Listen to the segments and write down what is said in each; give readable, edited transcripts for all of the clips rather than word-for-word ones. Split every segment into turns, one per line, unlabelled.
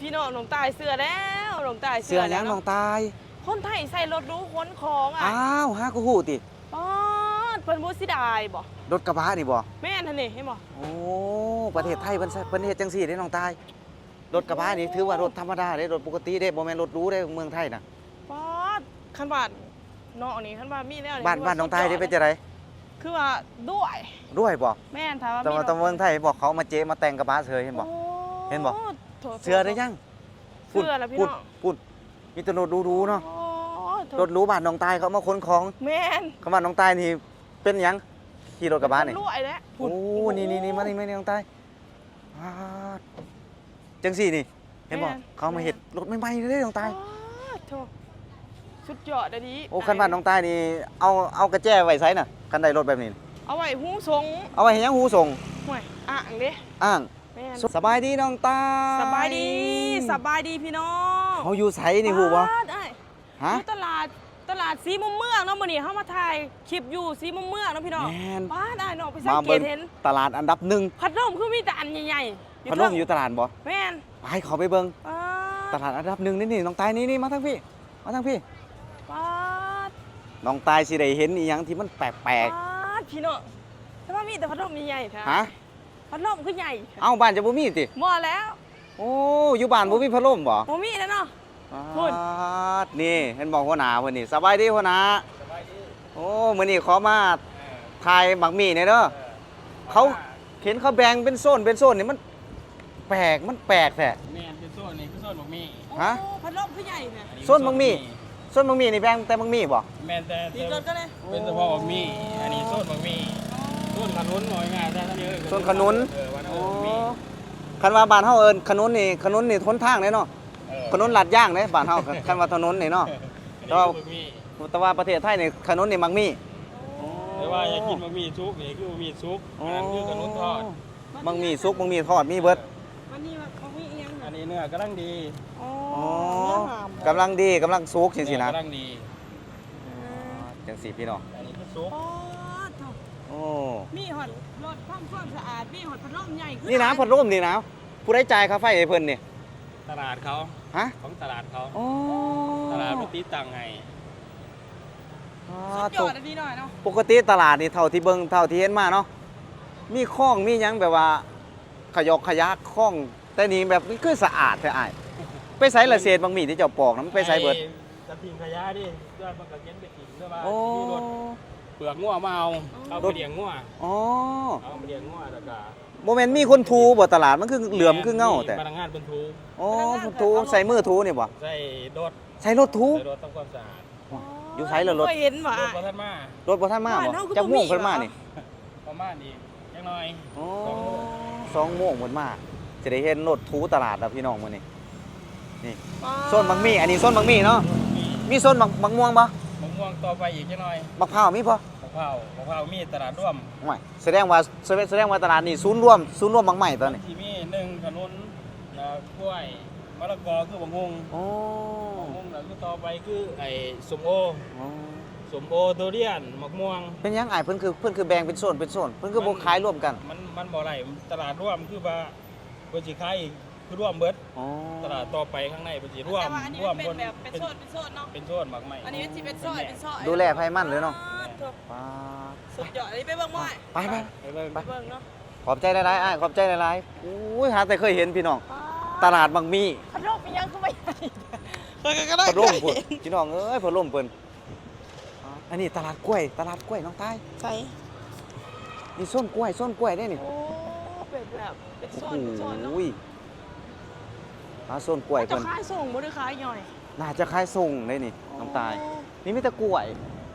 พี่น้องหลงตายเสือแล้วหลงตาย
เสือแล้วน้องตาย
คนไทยใส่รถรู้ขนของอ่ะ
อ้าวฮะกูฮู้ติ
ป๊อดเพิ่นบ่สิได้บ่
รถกระบะนี่บ่
แม่นหั่นนี่เห็นบ่
โอ้ประเทศไทยเพิ่นเฮ็ดจังซี่เด้น้องตายรถกระบะนี่ถือว่ารถธรรมดาเด้รถปกติเด้บ่แม่นรถหรูเด้เมืองไทยน่ะ
ป๊อดคันว่าน้องนี่คันว่ามีแนว
บ้านน้องตายได้เป็นจังได๋
คือว่าด้วย
บ่
แม่นถ้าว่า
แต่เมืองไทยบอกเขามาเจ๊มาแต่งกระบะเฉยเห็นบ่เห็นบ่เสือได้ยัง
เสือแล้วพี่น้อง
พูดมีแต่รถหรูๆเนาะรถหรูบ้านน้องตายเขามาขนของ
แม่น
เขาบ้านน้องตายนี่เป็นหยังขี่รถกระบะนี่
รวยแล้ว
โอ้นี่มานี่น้องตายจังซี่นี่เห็นบ่เขามาเฮ็ดรถใหม่ๆเลยน้องตาย
โธ่สุดยอดอะดิ
โอ้คันบ้านน้องตายนี่เอากระแจไว้ไสน่ะคันใดรถแบบนี้
เอาไว้หูส่ง
เอาไว้ให้ยังหูส่ง
ห่วยอ่างเด้
อ่างสบายดีน้องตา
สบายดีพี่น้อง
เขาอยู่ไสนี่ฮู้บ่
ฮะตลาดสีมุมเมืองเนาะมื้อนี้เฮามาถ่ายคลิปอยู่สีมุมเมืองเนาะพี่น้องบ้าได้เนาะไปสังเกตเห็น
ตลาดอันดับ1
พัดลมคือมีแต่อันใหญ่
ๆพัดลมอยู่ตลาดบ่
แม่น
ไปเขาไปเบิ่งตลาดอันดับ1นี่น้องตายนี่มาทางพี่
ป๊าด
น้องตายสิได้เห็นอีหยังที่มันแปลก
พี่น้องแต่ว่ามีแต่พัดลมใหญ่ๆค่ะ
ฮะ
พัดลมคือใหญ่
เอ้าบ้านจะบ่มีติ
บ่แล้ว
โอ้อยู่บ้านบ่มีพัดลมบ่
บ่มีแล้วเนาะ
พูดนี่เห็นบอกหัวหน้าเพิ่นนี่สบายดีหัวหน้าสบายดีโอ้มื้อนี้ขอมาถ่ายหมักหมี่หน่อยเด้อเขาเห็นเขาแบ่งเป็นโซนนี่มันแปลกแท้
แม่นเป็นโซนนี่คือโซนหมักหมี่
ฮะ
พัดลมคือใหญ่แท้
โซนหมักหมี่นี่แบ่งแต่หมักหมี่บ่
แม่นแต่
ดีเกินก็เลย
เป็นเฉพาะหมักหมี่อันนี้โซนหมักหมี่โซนขนุนหน่อยง่ายแต่ท่านเยอะ
โซนขนุนโอ้คันว่าบ้านเฮาเอิ้นขนุนนี่ทนทางเด้เนาะขนุนลัดย่างเด้บ้านเฮาคันว่าถนนนี่เนาะแต่ว่าประเทศไทยนี่ขนุนนี่หมักหมี่
แต่ว่าอยากกินหมักหมี่ซุกนี่คือหมักหมี่ซุกอันนั้นคือขนุนทอด
หมักหมี่ซุกหมักหมี่ทอดมีเบิด
วันนี้เขามีอีหยัง
อันนี้เนื้อกำลังดี
อ๋อกำลังดีกำลังซุกจังซี่นะ
กำลังดี
จังซี่พี่น้อง
อันนี้คือซุก
โอ้
มีหอดรถความสะอาดมีหอดพัดลมใหญ่
นี่นะพัดลมนี่นะผู้ได้จ่ายค่าไฟให้เพิ่นนี่
ตลาดเขา
ฮะ
ของตลาดเขาตลาดปกติตังไง
สุดยอดอันนี้หน่อยเนาะ
ปกติตลาดนี่เท่าที่เบิ่งเท่าที่เห็นมาเนาะมีคลองมีหยังแบบว่าขยะคลองแต่นี่แบบมันคือสะอาดแท้อ้ายไปไสละเศษบางมีที่เจ้าปอกนำไปไสเบิด
จะทิ้งขยะดิเพื่อมันก็เก็บไปทิ้งด้วยว่ามีรถเปลือกงัวมาเอาไปเลี้ยงงัวเอาไปเลี้ยงงัวแล้วก็
บ่แม่นมีคนทูบ่ตลาดมันคือเหลื่อมคือเงาแต่
พนักงานเพิ่นทู
อ๋อเพิ่นทูใส่มือทูนี่บ่
ใส่รถ
ทู
ใส่รถทำความสะอาด
อยู่ไสล่ะรถ
เห็นว่าร
ถบ่ทันมา
บ่จักโมงเพิ่นมานี่
ประมาณนี้จักหน่อย
อ๋อ2โมงเพิ่นมาจะได้เห็นรถทูตลาดแล้วพี่น้องมื้อนี้นี่โซนบางมี่อันนี้โซนบางมี่เนาะมีโซนบางม่วงบ่
มะม่วงต่อไปอีกจักหน่อย
มะพร้าวมีบ่
มะพร้าวมีตลาดร่วม
ไม่แสดงว่าตลาดนี่ศูนย์รวมบางใหม่ตอนนี้
ที่มี1ขนุนกล้วยมะละกอคือบางฮง
อ๋อบ
างฮงแล้วคือต่อไปคือไอ้ส้มโอทุเรียนมะม่วง
เป็นยังไงเพิ่นคือแบ่งเป็นโซนเพิ่นคือบ่ขายรวมกัน
มันบ่ได้ตลาดร่วมคือว่าเพิ่นสิขายคือร่วมเบิดตลาดต่อไปข้างในเพิ่นสิร่วม
เป็นแบบเป็นโซนเนาะ
เป็นโซนหมักใหม่
อันนี้สิเป็นโซน
ดูแลไผมันเลยเนาะ
สุดยอดอันนี้ไปเบิ่งบ่
ไป
เบิ่งเนาะ
ขอบใจหลายๆอ้ายขอบใจหลายๆอุ้ยหาแต่เคยเห็นพี่น้องตลาดบางมี
พัดลมมียังคือบ่ใหญ่
พัดลมพุ่นพี่น้องเอ้ยพัดลมเพิ่นอันนี้ตลาดกล้วยน้องตาย
ใช่
นี่ส้นกล้วยได้นี่
โอ้เป็นแบบเป็นโซนเนาะ
ส้นกล้วย
เพิ่นจะขายส่งบ่ได้ขายย่อย
น่าจะขายส่งได้นี่น้องตายนี่มีแต่กล้วย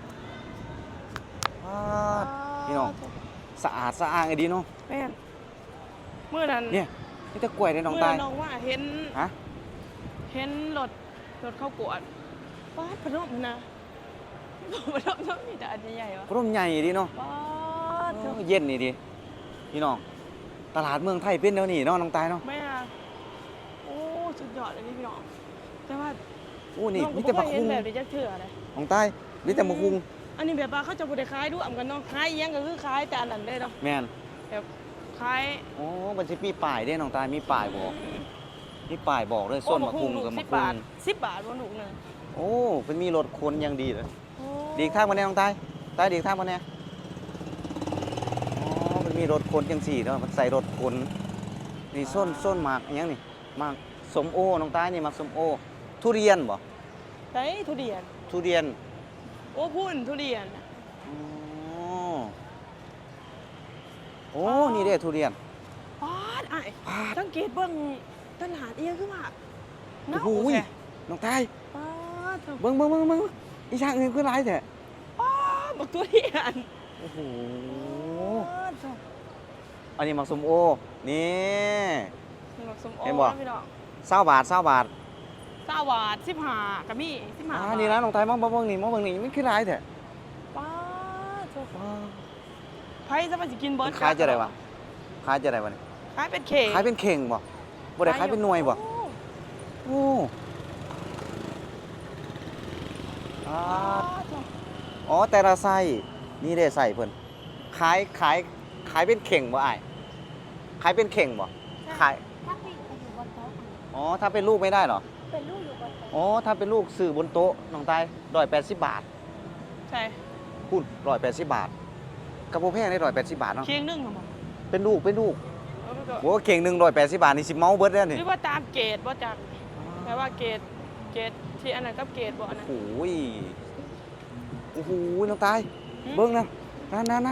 พี่น้องสะอาดสะอ้างไอ้ดีเนาะ
แม่นมื้อนั้น
เนี่ยมีแต่กล้วยได้น้องตาย
น้องว่าเห็นรถเข้ากวดป๊าดพัดลมนะพัดลมมีแต่อันใหญ่ๆวะ
พัดลมใหญ่ดีเนาะเย็นนี่ดิพี่น้องตลาดเมืองไทยเป็นเดี๋ยวนี้เนาะน้องตายเนาะ
แม่โอ้สุดยอดเลยพี่น้องแต่ว่า
โอ้นี่มีแต่บักคุ้ง
แบบนี้จะเถื่ออะไร
น้องตายมีแต่บักคุ้ง
อันนี้แบบว่าเขาจะบ่ได้ขายด้วยกันเนาะขายอีหยังก็คือขายแต่อันนั้นได้เนาะ
แม่น
แบบขาย
โอ้มันสิมีป้ายเด้น้องตายมีป้ายบ่นี่ป้ายบอกเลยส้นมะคุงกับมะ
10
คุ
บาท
ง
10 บาทบ่ลูกหนึง
โอ้เป็นมีรถคนอย่างดีเลย
โอ้
ดีกทางมาแน่น้องตายตายดีกทางมาแน่อ๋อมันมีรถคนจังสี่เนาะมันใส่รถคนนี่ส้นหมากอิหยังนี่หมากสมโอน้องตายนี่หมากสมโอทุเรียนบ่
ไต้ทุเรียน
ทุเรียน
โอ้พุ่นทุเรียน
อ๋อโอ้นี่เด้ทุเรียน
ปาดอ้ายสังเกตเบิ่งตลาดเอียงคือว่า
โอ้โห
แท้
น้องตาย
ปาดเถอะ
เบิ่งอีช่างอื่นคือหลายแท้
ปาดบักทุเรียน
โอ้โห
ปาดเถอะ
อันนี้หมากสมโอนี่
บักสมโอ
เห็นบ่
นะพี่น้อง
20 บาท 20 บาท
20 บาท15ก็มี15
อ่า
บาท
นี่นะน้องตายมองเบิ่งนี่มันคือหลายแท้
ปาดเถอะ
ว้าว
ไผจะมาสิกินเบิ
มั
ด
นขายจะได้วะขายจะได้วะนี่
ขายเป็นเข่ง
ขายเป็นเข่งบ่บ่ได้ขายเป็นหน่วยบ่
โอ้
โอ้อ่า
ปาดเถอะ
อ๋อแต่ละไส้นี่ได้ใส่เพิ่นขายเป็นเข่งบ่อ้ายขายเป็นเข่งบ่ขาย
ถ้าปิดไปอยู่บนโต๊ะ
อ๋อถ้าเป็นลูกไม่ได้เหรอ
เป็นลูกอยู่บนโต๊ะ
อ๋อถ้าเป็นลูกซื้อบนโต๊ะน้องตาย180 บาท
ใช่
พูด180 บาทกระโปรงแพงได้180 บาทเนาะ
เคียงหนึงเหรอบ่
เป็นลูก
เอาไปก่อน
โอ้เข่งหนึง180 บาทนี่สิเมาเบิดแล้วนี่
หรือว่าตามเกรดบ่จักแปลว่าเกรดที่อันนั้นกับเกรดบ่อันนั้น
โอ้ยโอ้โหน้องตาย
หืม
เบิ่งนะนั่น
อ๋อ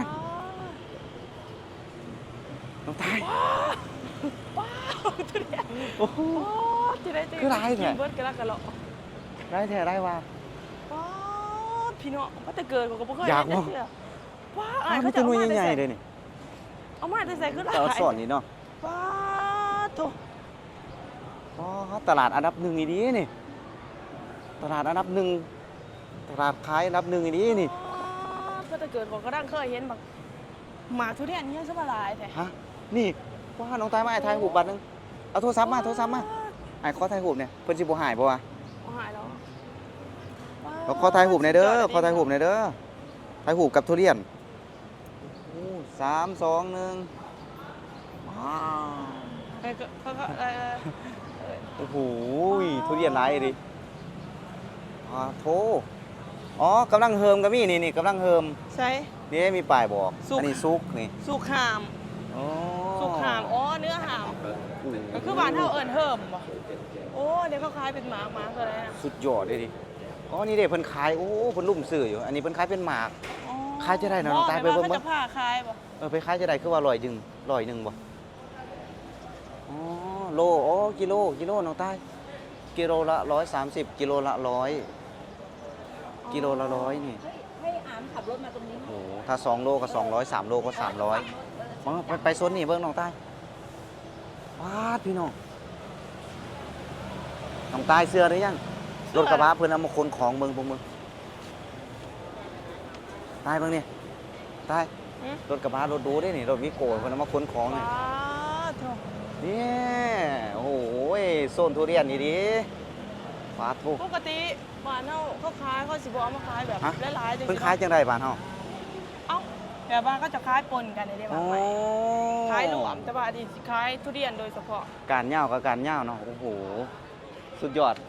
น้องตาย
ว้าวทุเรียน
โอ้โห
โอ้ที่ได้
คือหลายแท้
กินเบิดกันละกันเหรอ
ได้แท้ได้ว่า
ว้าวพี่น้องว่าแต่เกิดก็บ่เคย
อยาก
เห็น
บ่
จักเทื่อว้าว
อ้า
อ้ายว
มั
เขา
น
จะ
จะ
เอา
นุ่ย
มา
ใหญ่
ใส่
ๆเลยนี่
เอามาใส่คือหลาย
แต่ละสอนนี่เนาะ
ว้าวโต
อ๋อตลาดอันดับหนึ่งอีดีนี่ตลาดอันดับหนึ่งตลาดขายอันดับหนึ่งอีดีนี่
ก็แต่เกิดก็ดังเคยเห็นบักหมาทุเรียนนี่ยังสบหลายแท้
ฮะนี่ว่าน้องตายมาไอ้ถ่ายหูปบัตรนึงเอาโทรศัพท์มาไอ้ขอถ่ายหูปเนี่ยเพิ่นสิบ่หายบ่วะ
เอาหายแล้ว
เราขอถ่ายหูปหน่อยเด้อขอถ่ายหูปหน่อยเด้อถ่ายหูปกับทุเรียนโอ้3 2 1ว้าว
เอ้ยก็
โอ้โหทุเรียนหลายดิโถอ๋อกำลังเฮิมก็มีนี่กำลังเฮิม
ใช่
นี่มีป้ายบอก
สุก
อันนี้ซุกนี่
สุกหาม
อ๋อ
สุกหามอ๋อเนื้อหาม
โอ้โห
ก็คือบ้านเฮาเอิ้นเฮิมบ่โอ้เดี๋ยวเขาขายเป็นหมากตัวอะไรนะ
สุดยอดเลยดิอ๋อนี่เด้เพิ่นขายโอ้เพิ่นลุ่มซื้ออยู่อันนี้เพิ่นขายเป็นหมาก
อ๋อ
ขายจะได้นะน้องตายไปเบิ่ง
เขาจะผ้าขายบ่
ไปขายจะได้คือว่า100 บ่อ๋อโลอ๋อกิโลน้องตายกิโลละ130กิโลละ100กิโลละ100นี่
ให้อามขับรถมาตรงนี้
โอ้โหถ้า2โลก็200 3โลก็300มาไปโซนนี่เบิ่งน้องตายว้าดพี่น้องน้องตายเสื้อหรือยังรถกระบะเพิ่นเอามาขนของเบิ่งพวกมึงตายเบิ่งนี่ตาย
หือ
รถกระบะรถดูได้นี่รถวิโก้เพิ่นเอามาขนของนี่
ว้าวโถ
นี่โอ้โหโซนทุเรียนนี่ดิฟาดทุก
ปกติบ้านเฮาเขาขายเขาสิบ่เอามาขายแบบ
ฮะ
หลายๆจัง
เพิ่น
ซี่
ขายจังไดบ้านเฮา
เอ้าแบบว่าเขาจะขายปนกันได้บ้า
โอ้
งไหมขายรวมแต่ว่าอันนี้สิขายทุเรียนโดยเฉพาะ
การเหย้ากับการเหย้าเนาะโอ้โหสุดยอด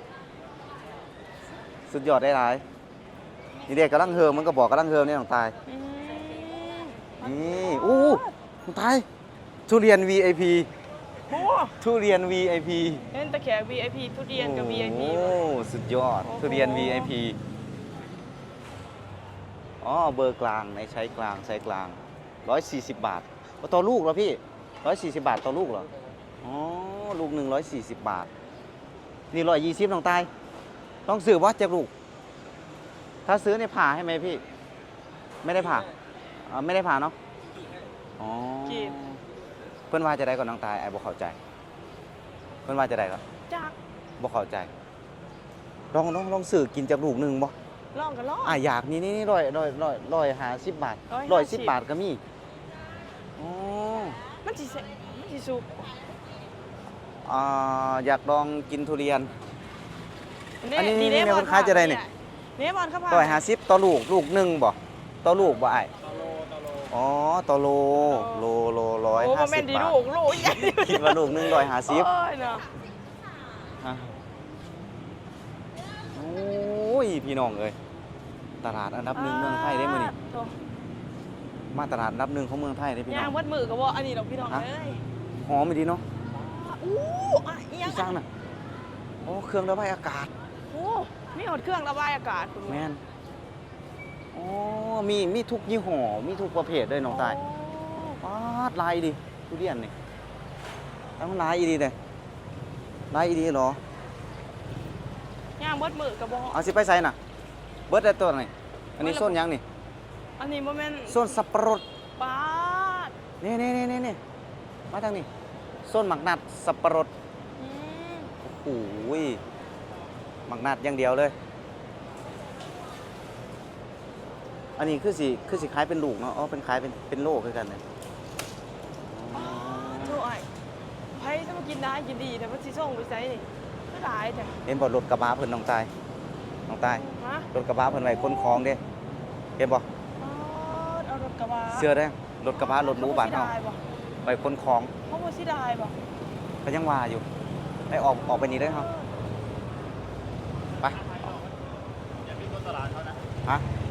สุดยอดได้หลายนี่เด็กกำลังเฮิมมันก็บอกกำลังเฮิมนี่น้องตาย
อืม
นี่อู้น้องตายทุเรียน VIP
โอ้
ทุเรียน VIP
เห็นตะแขก VIP ทุเรียนกับ VIP
โอ้สุดยอด
โอ้โห
ทุเรียน VIP อ๋อเบอร์กลางในใช้กลางไซส์กลาง140 บาทต่อลูกเหรอพี่140 บาทต่อลูกเหรออ๋อลูกหนึ่ง140 บาทนี่120น้องตายต้องซื้อว่าจะลูก ถ้าซื้อเนี่ยผ่าให้ไหมพี่ ไม่ได้ผ่าไม่ได้ผ่าเนาะอ๋อ
กีบ
เพื่อนว่าจะได้ก่อนน้องตายไอ้บ่เข้าใจ เพื่อนว่าจะได้ก่อน
จัก
บ่เข้าใจลองซื้อกินจากลูกหนึ่งบ่
ลองกันลอง
อยากนี่150 บาท
150
110 บาทก็มีอ๋อ
มันสิสุก
อยากลองกินทุเรียน อันนี้
เด้
นี่คนขายจะได้นี่
นี่บอลครับ
150ต่อลูกหนึ่งบ่ต่อลูกบ่ไอ้
ตโล
อ๋อต่อโล150
โอ้บ่แม่นดี
บาท
ลูกใหญ่
คิดว่าลูกหนึง150
โอ้ยเนาะ
ฮะโอ้ยพี่น้องเอ้ยตลาดอันดับหนึ่งเมืองไทยได้มื้อนี้
โถ่
มาตลาดอันดับหนึ่งของเมืองไทยได้พี่น้
ย่า
อง
งวัดมือก็บ่อันนี้ดอกพี่น้อง
ฮะ
เอ้ย
หอมไม่ดีเนาะ
อู้อ่ะอีหยัง
พี่สร้างน่ะโอ้เครื่องระบายอากาศ
โอ้มีหดเครื่องระบายอากาศคุณ
แม่นอ๋อมีทุกยี่ห้อมีทุกประเภทเลยน้องตาย
โ
ปาดลายดีทุเรียนนี่ตั้งลายอีดีเลยลายอีดีเหรอย่าง
วัดมือก็บ่
เอาสิไปใส่น่ะ เบิร์ดได้ตัวไหนอันนี้ส้นหยังนี่
อันนี้บ่แม่น
ส้นสับปะรด
ปาด
นี่มาทางนี้ส้นหมักนัดสับปะรด
อืม
โอ้โหหมักนัดอย่างเดียวเลย อันนี้คือสิขายเป็นลูกเนาะอ๋อเป็นขายเป็นโลคือกันเลย
โถ่ไอ้ไผจะมากินได้กินดีแต่ว่าสิส่งไปไสนี่ก็ได้แต่
เห็นบ่รถกระบะเพิ่นน้องตาย
ฮะ
รถกระบะเพิ่นไว้ขนของเด้เห็นบ่
ปาดเอารถกระบะ
เสื้อเด้รถกระบะรถหรูบ้านเฮา
ขสิได้บ่
ไว้ขนของ
เขาบ่สิได้บ่
ก็ยังว่าอยู่ได้ออกไปนี่ได้อเฮาไป
อย่าพิมพ์ตลาดเขานะ
ฮะ
อ